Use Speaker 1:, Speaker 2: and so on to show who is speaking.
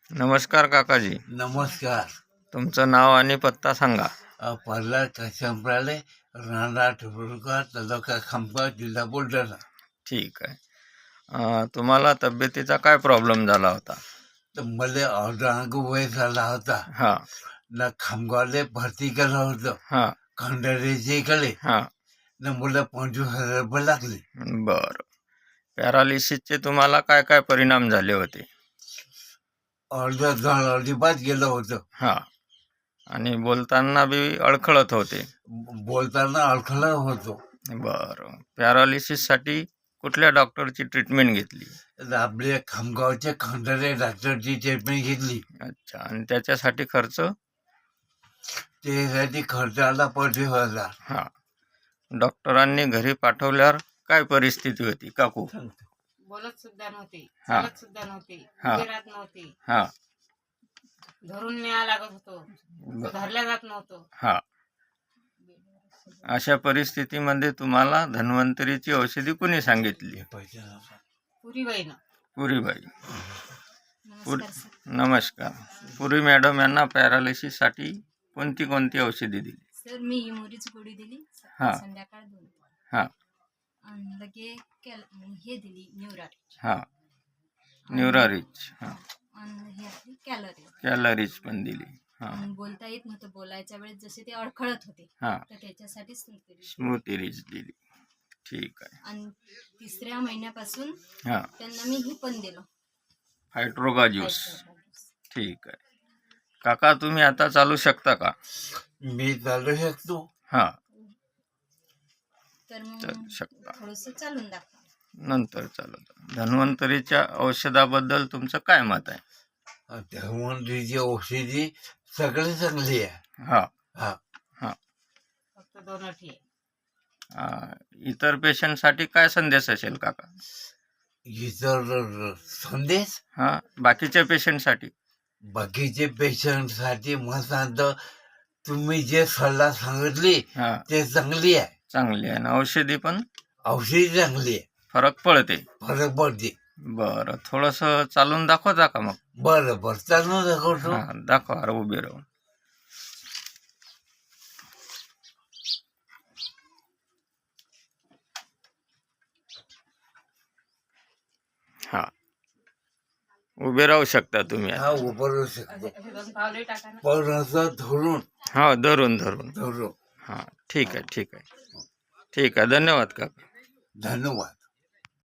Speaker 1: नमस्कार काकाजी,
Speaker 2: नमस्कार.
Speaker 1: तुमचं नाव आणि पत्ता सांगा.
Speaker 2: प्रल्हाद कशंपराले, राहणार ठिबुर्गा, तालुका खामगाव, जिल्हा बुलढाणा.
Speaker 1: ठीक आहे. तुम्हाला तब्येतीचा काय प्रॉब्लेम झाला होता?
Speaker 2: तर मला अर्धांग वय झाला होता.
Speaker 1: हां
Speaker 2: ना खामगावले भरती केलं होतं
Speaker 1: हां
Speaker 2: खंडारीच्या इकडे.
Speaker 1: हां
Speaker 2: ना मला 25,000 रुपये लागले.
Speaker 1: बरं. पॅरालिसिसचे तुम्हाला काय काय परिणाम झाले होते?
Speaker 2: अर्ध झाड अजिबात गेलं होतं.
Speaker 1: हां आणि बोलताना बी अडखळत होते.
Speaker 2: बोलताना अडखळत होतो.
Speaker 1: बरं. पॅरालिसिससाठी कुठल्या डॉक्टरची ट्रीटमेंट घेतली?
Speaker 2: तर आपल्या खामगावच्या खंडारे डॉक्टरची ट्रीटमेंट घेतली.
Speaker 1: अच्छा. आणि त्याच्यासाठी खर्च?
Speaker 2: त्यासाठी खर्च आला 25,000.
Speaker 1: हां. डॉक्टरांनी घरी पाठवल्यावर काय परिस्थिती होती काकू?
Speaker 3: बोलत सुद्धा नव्हते,
Speaker 1: हा.
Speaker 3: चालत सुद्धा नव्हते,
Speaker 1: हा.
Speaker 3: उभे राहत नव्हते,
Speaker 1: हां
Speaker 3: धरून न्याय लागत होतो, धरल्या जात नव्हतं.
Speaker 1: हां. अशा परिस्थितीमध्ये तुम्हाला धन्वंतरीची औषधी कुणी सांगितली?
Speaker 3: पुरीबाईनं.
Speaker 1: पुरीबाई. नमस्कार. पुरी मॅडम यांना पॅरालिसिससाठी कोणती कोणती औषधी दिली?
Speaker 4: सर मी हिमोरीची गोळी दिली
Speaker 1: हा.
Speaker 4: संध्याकाळ 2
Speaker 1: हां
Speaker 4: आणि लगे हे दिली न्यूरारिच
Speaker 1: हां न्यूरारिच. हां.
Speaker 4: आणि हे आपली कॅलरी
Speaker 1: कॅलरीज पण दिली. हां
Speaker 4: आणि बोलता येत नव्हतं. बोलायच्या वेळेस जसे ते अडखळत होते
Speaker 1: हां
Speaker 4: तर त्याच्यासाठी स्मृती
Speaker 1: स्मृतिरीज दिली. ठीक आहे.
Speaker 4: आणि 3ऱ्या महिन्यापासून
Speaker 1: हां
Speaker 4: त्यांना मी हे पण दिलं
Speaker 1: हायड्रोगा ज्यूस. ठीक आहे. काका तुम्ही आता चालू शकता का?
Speaker 2: मी चालू शकतो.
Speaker 1: हां
Speaker 4: तर
Speaker 1: चालू
Speaker 4: मग
Speaker 1: शकता.
Speaker 4: थोडंसं चालून दाखवा.
Speaker 1: नंतर चालत. धन्वंतरीच्या औषधाबद्दल तुमचं काय मत आहे?
Speaker 2: धन्वंतरीची औषधी सगळे चांगली आहे.
Speaker 1: हां
Speaker 2: हा.
Speaker 3: फक्त 2 अटी आहे.
Speaker 1: इतर पेशंटसाठी काय संदेश असेल काका?
Speaker 2: इतर संदेश
Speaker 1: हां बाकीच्या पेशंटसाठी?
Speaker 2: बाकीचे पेशंटसाठी मग सांगतो, तुम्ही जे सल्ला सांगितली
Speaker 1: हां
Speaker 2: ते चांगली आहे.
Speaker 1: चांगली आहे ना औषधी पण?
Speaker 2: औषधी चांगली आहे.
Speaker 1: फरक पडते?
Speaker 2: फरक पडते.
Speaker 1: बरं. थोडंसं चालून दाखवता का मग?
Speaker 2: बरं चालू दाखवतो.
Speaker 1: हां दाखवा. अरे उभे राहून. हां उभे राहू शकता तुम्ही आता.
Speaker 2: हा उभं शकतो.
Speaker 3: असे 2 पावले टाका ना.
Speaker 2: पण असं धरून
Speaker 1: हां धरून धरून.
Speaker 2: धरून.
Speaker 1: हां ठीक आहे ठीक आहे. ठीक आहे. धन्यवाद काका.
Speaker 2: धन्यवाद.